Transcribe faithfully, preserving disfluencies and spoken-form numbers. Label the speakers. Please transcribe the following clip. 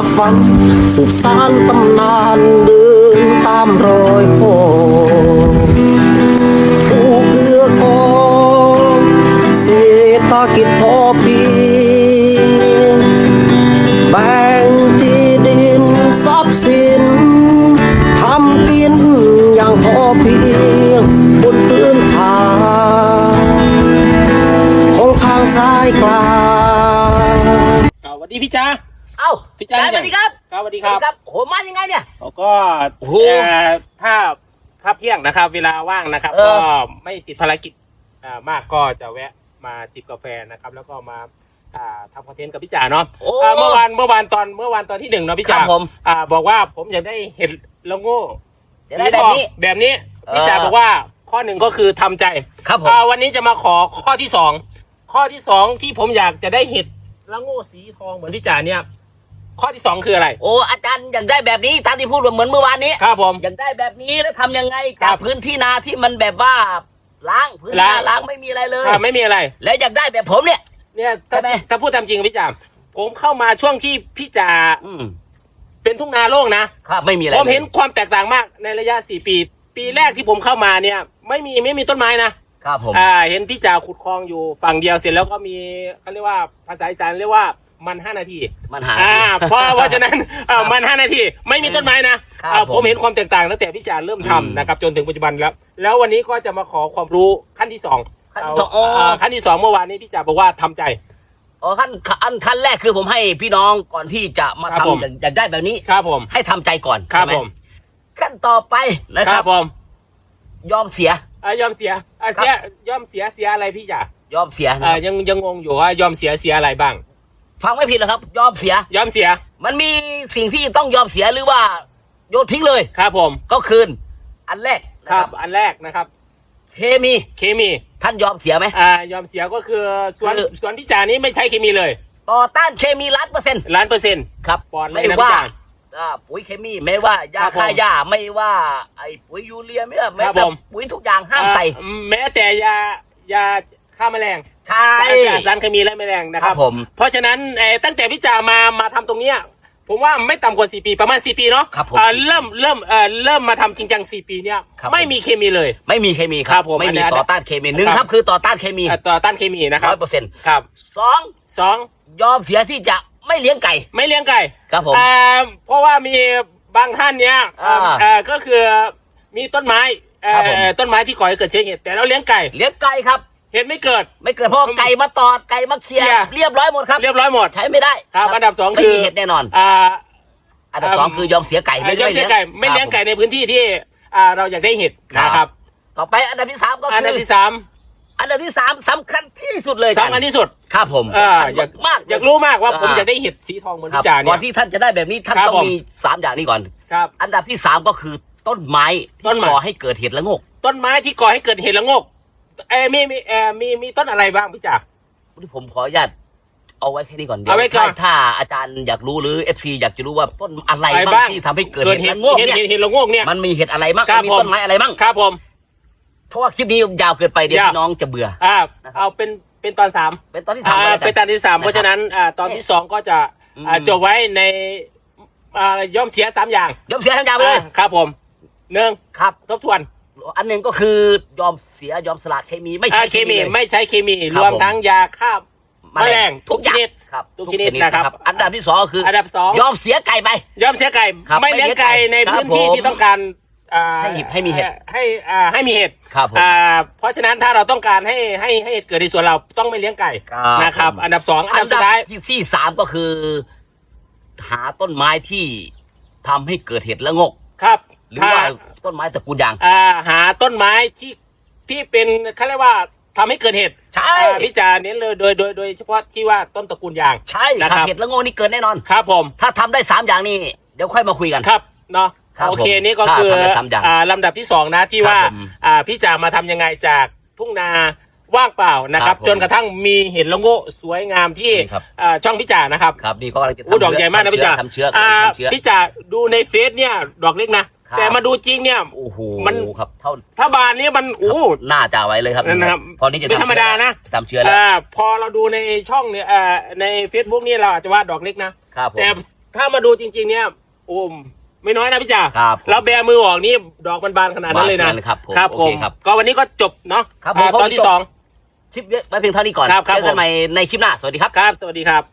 Speaker 1: ฝันสืบสานตำนานเดินตามรอยพ่อผู้เกื้อกองเศรษฐกิจพอเพียงแบ่งที่ดินทรัพย์สินทำกินอย่างพอเพียงบนพื้นฐานของทางสายกลาง
Speaker 2: สวัสดีพี่จ้า
Speaker 3: เอ้า
Speaker 2: พี่จ้า
Speaker 3: สวัสดีครับ
Speaker 2: สวัสดีครับ
Speaker 3: โหมายังไงเนี่ย
Speaker 2: ก็ถ้าถ้าเที่ยงนะครับเวลาว่างนะครับก็ไม่ติดภารกิจมากก็จะแวะมาจิบกาแฟนะครับแล้วก็มาทำคอนเทนต์กับพี่จ๋าเนาะเมื่อวานเมื่อวานตอนเมื่อวานตอนที่หนึ่งเนาะพี่จ๋าบอกว่าผมอยากได้เห็ดละโง่
Speaker 3: สีแบบนี้
Speaker 2: แบบนี้พี่จ๋าบอกว่าข้อหนึ่งก็คือทำใจ
Speaker 3: ครับผม
Speaker 2: วันนี้จะมาขอข้อที่สองข้อที่สองที่ผมอยากจะได้เห็ดละโง่สีทองเหมือนพี่จ๋าเนี่ยข้อที่สองคืออะไร
Speaker 3: โอ้อาจารย์อยากได้แบบนี้ตามที่พูดเหมือนเมื่อวานนี้
Speaker 2: ครับผม
Speaker 3: อยากได้แบบนี้แล้วทำยังไงกับพื้นที่นาที่มันแบบว่าล้างพื้นนาล้างไม่มีอะไรเลย
Speaker 2: ไม่มีอะไร
Speaker 3: แล้วอยากได้แบบผมเนี่ย
Speaker 2: เนี่ยถ้าถ้าพูดตามจริงพี่จ๋าผมเข้ามาช่วงที่พี่จ๋าเป็นทุ่งนาโล่งนะครับ
Speaker 3: ไม่มีอะไร
Speaker 2: ผมเห็นความแตกต่างมากในระยะสี่ปีปีแรกที่ผมเข้ามาเนี่ยไม่มีไม่มีต้นไม้นะครับ
Speaker 3: ผม
Speaker 2: อ่าเห็นพี่จ๋าขุดคลองอยู่ฝั่งเดียวเสร็จแล้วก็มีเขาเรียกว่าภาษาอีสานเรียกว่ามันห้านาที
Speaker 3: มันหา
Speaker 2: อ่าเพราะเพราะฉะนั้นอ่ามันห้านาทีไม่มีต้นไม้นะอ่าผมเห็นความแตกต่างตั้งแต่พี่จ๋าเริ่มทำนะครับจนถึงปัจจุบันแล้วแล้ววันนี้ก็จะมาขอความรู้ขั้นที่สอง
Speaker 3: ขั้นที่สอง
Speaker 2: ขั้นที่สองเมื่อวานนี้พี่จ๋าบอกว่าทำใจ
Speaker 3: อ๋อขั้นขั้นขั้นแรกคือผมให้พี่น้องก่อนที่จะมาทำอยากได้แบบนี้
Speaker 2: ครับผม
Speaker 3: ให้ทำใจก่อน
Speaker 2: ครับผม
Speaker 3: ขั้นต่อไปนะครับ
Speaker 2: ผม
Speaker 3: ยอมเสีย
Speaker 2: อ่ายอมเสียอ่าเสียยอมเสียเสียอะไรพี่จ๋าย
Speaker 3: อมเสีย
Speaker 2: อ่ายังยังงงอยู่ว่ายอมเสียเสียอะไรบ้าง
Speaker 3: ฟังไม่ผิดหรอครับยอมเสีย
Speaker 2: ยอมเสีย
Speaker 3: มันมีสิ่งที่ต้องยอมเสียหรือว่าโยนทิ้งเลย
Speaker 2: ครับผม
Speaker 3: ก็คืนอันแรก
Speaker 2: ครับอันแรกนะครับ
Speaker 3: เคมี
Speaker 2: เคมี
Speaker 3: ท่านยอมเสียไหม
Speaker 2: อ่ายอมเสียก็คือส่วนส่วนที่จ่านี้ไม่ใช้เคมีเลย
Speaker 3: ต่อต้านเคมีล้านเปอร์เซ็นต์
Speaker 2: ล้านเปอร์เซ็นต์
Speaker 3: ครับ
Speaker 2: ปลอด
Speaker 3: ไม่ว่าปุ๋ยเคมีไม่ว่ายาฆ่าหญ้าไม่ว่าไอ้ปุ๋ยยูเรียไม่ว่าแม้แต่ปุ๋ยทุกอย่างห้ามใส่
Speaker 2: แม้แต่ยายาฆ่าแมลง
Speaker 3: ใช่
Speaker 2: สารเคมีและแมลงนะครับ
Speaker 3: ผม
Speaker 2: เพราะฉะนั้นตั้งแต่พี่จ่ามามาทำตรงเนี้ยผมว่าไม่ต่ำกว่าสี่ปีประมาณสี่ปีเนาะเริ่มเริ่มเอ่อเริ่มมาทำจริงจังสี่ปีเนี้ยไม่มีเคมีเลย
Speaker 3: ไม่มีเคมีครับไม่มีต่อต้านเคมีหนึ่งครับคือต่อต้านเคมี
Speaker 2: ต่อต้านเคมีนะครับ
Speaker 3: ร้อยเปอร์เซ็นต์
Speaker 2: ครับ
Speaker 3: สอง
Speaker 2: สอง
Speaker 3: ยอมเสียที่จะไม่เลี้ยงไก่
Speaker 2: ไม่เลี้ยงไก่
Speaker 3: ครับผม
Speaker 2: เพราะว่ามีบางท่านเนี้ยก็คือมีต้นไม้ต้นไม้ที่ก่อให้เกิดเชื้อเห็ดแต่เราเลี้ยงไก่
Speaker 3: เลี้ยงไก่ครับ
Speaker 2: เห็ดไม่เกิด
Speaker 3: ไม่เกิดเพราะไก่มาตอดไก่มาเคี่ยเรียบร้อยหมดครับ
Speaker 2: เรียบร้อยหมด
Speaker 3: ใช้ไม่ได้
Speaker 2: ครับอันดับสองคือ
Speaker 3: ไม่มีเห็ดแน่นอน
Speaker 2: อ่า
Speaker 3: อันดับสองคือยอมเสียไก่ไม่
Speaker 2: เลี้ยงไก่ไม่เลี้ยงไก่ในพื้นที่ที่เราอยากได้เห็ดนะครับ
Speaker 3: ต่อไปอันดับที่สามก็คือ
Speaker 2: อันดับที่สาม
Speaker 3: อันดับที่สามสำคัญที่สุดเลย
Speaker 2: สำคัญที่สุด
Speaker 3: ครับผม
Speaker 2: อยากมากอยากรู้มากว่าผมอยากได้เห็ดสีทองเหมือนพี่จ่าเนี่ย
Speaker 3: ก่อนที่ท่านจะได้แบบนี้ท่านต้องมีสามอย่างนี้ก่อน
Speaker 2: ครับ
Speaker 3: อันดับที่สามก็คือต้นไม้ที่ก่อให้เกิดเห็ดละโงก
Speaker 2: ต้นไม้ที่ก่อให้เกิดเห็ดละโงกเออมีมีเออมีมีต้นอะไรบ้างพี่จ่า
Speaker 3: ผมขออนุญาตเอาไว้แค่นี้ก่อนเดี๋ยวถ้าอาจารย์อยากรู้หรือ เอฟ ซี อยากจะรู้ว่าต้นอะไรบ้างที่ทำให้เกิดเห็ดละโงกเนี่ย
Speaker 2: เห็ดละโงกเนี่ย
Speaker 3: มันมีเห็ดอะไรบ้างมีต้นไม้อะไรบ้าง
Speaker 2: ครับผม
Speaker 3: เพราะว่าคลิปนี้ยาวเกินไปเดี๋ยวพี่น้องจะเบื่อ
Speaker 2: อ่าเอาเป็นเป็นตอนสาม
Speaker 3: เป็นตอนที่สาม
Speaker 2: เป็นตอนที่สามเพราะฉะนั้นอ่าตอนที่สองก็จะอ่าจบไว้ในอ่ายอมเสียสามอย่าง
Speaker 3: ยอมเสียสามอย่างไปเลย
Speaker 2: ครับผมหนึ่ง
Speaker 3: ครับ
Speaker 2: ทบทวน
Speaker 3: อันหนึ่งก็คือยอมเสียยอมสละเคมีไม่ใช้
Speaker 2: เคมีไม่ใช้เคมีรวมทั้งยาฆ่าแมลงทุกชนิด
Speaker 3: ครับ
Speaker 2: ทุกชนิดนะครับ
Speaker 3: อันดับที่สองก็คือ
Speaker 2: อันดับสอง
Speaker 3: ยอมเสียไก่ไป
Speaker 2: ยอมเสียไก่ไม่เลี้ยงไก่ในพื้นที่ที่ต้องการ
Speaker 3: ให้ให้มีเห็ด
Speaker 2: ให้ให้มีเห็ด
Speaker 3: ครับ
Speaker 2: เพราะฉะนั้นถ้าเราต้องการให้ให้ให้เห็ดเกิดในสวนเราต้องไม่เลี้ยงไก่นะครับอันดับสองอันดับสุดท้าย
Speaker 3: ที่สามก็คือหาต้นไม้ที่ทำให้เกิดเห็ดละงก
Speaker 2: ครับ
Speaker 3: หรือว่าต้นไม้ตระกูลยาง
Speaker 2: อ่าหาต้นไม้ที่ที่เป็นเขาเรียกว่าทำให้เกิดเห็ด
Speaker 3: ใช่
Speaker 2: พี่จ่าเน้นเลยโดยโดยโดยเฉพาะที่ว่าต้นตระกูลยาง
Speaker 3: ใช่ครับเห็ดละงกนี่เกิดแน่นอน
Speaker 2: ครับผม
Speaker 3: ถ้าทำได้สามอย่างนี้เดี๋ยวค่อยมาคุยกัน
Speaker 2: ครับเนาะโอเคนี่ก็คืออ่าลำดับที่สองนะที่ว่าอ่าพี่จ่ามาทำยังไงจากทุ่งนาว่างเปล่านะครับจนกระทั่งมีเห็ดละโงกสวยงามที่ช่องพี่จ่านะครับ
Speaker 3: ครับนี่ก็กำลังจะ
Speaker 2: ทำดอกใหญ่มากนะพี่จ่า
Speaker 3: ทำเชื้อ
Speaker 2: พี่จ่าดูในเฟซเนี่ยดอกเล็กนะแต่มาดูจริงเนี่ย
Speaker 3: โอ้โห
Speaker 2: มัน
Speaker 3: ครับเท่า
Speaker 2: ถ้าบานนี้มันโอ้
Speaker 3: หน้าจ่าไว้เลยครับ
Speaker 2: นะครับ
Speaker 3: พอนี้จะ
Speaker 2: ไม่ธรรมดานะ
Speaker 3: ทำเชื้อแล้ว
Speaker 2: พอเราดูในช่องเนี่ยในเฟซบุ๊กนี่เราอาจจะว่าดอกเล็กนะแต่ถ้ามาดูจริง ๆ เนี่ยโอ้มไม่น้อยนะพี่จ่า
Speaker 3: ครับ
Speaker 2: แล้วแบมือออกนี่ดอกมันบานขนาดนั้นเลยนะครับ
Speaker 3: ผม
Speaker 2: ครับ
Speaker 3: โอ
Speaker 2: ผ
Speaker 3: เค
Speaker 2: ม
Speaker 3: ครับ
Speaker 2: ก็วันนี้ก็จบเนาะ
Speaker 3: ครับผม
Speaker 2: อ่าตอนที่
Speaker 3: จบ
Speaker 2: สอง
Speaker 3: คลิปไว้เพียงเท่านี้ก่อน
Speaker 2: ครับครับ
Speaker 3: เจอกันใหม่ในคลิปหน้าสวัสดีครับ
Speaker 2: ครับสวัสดีครับ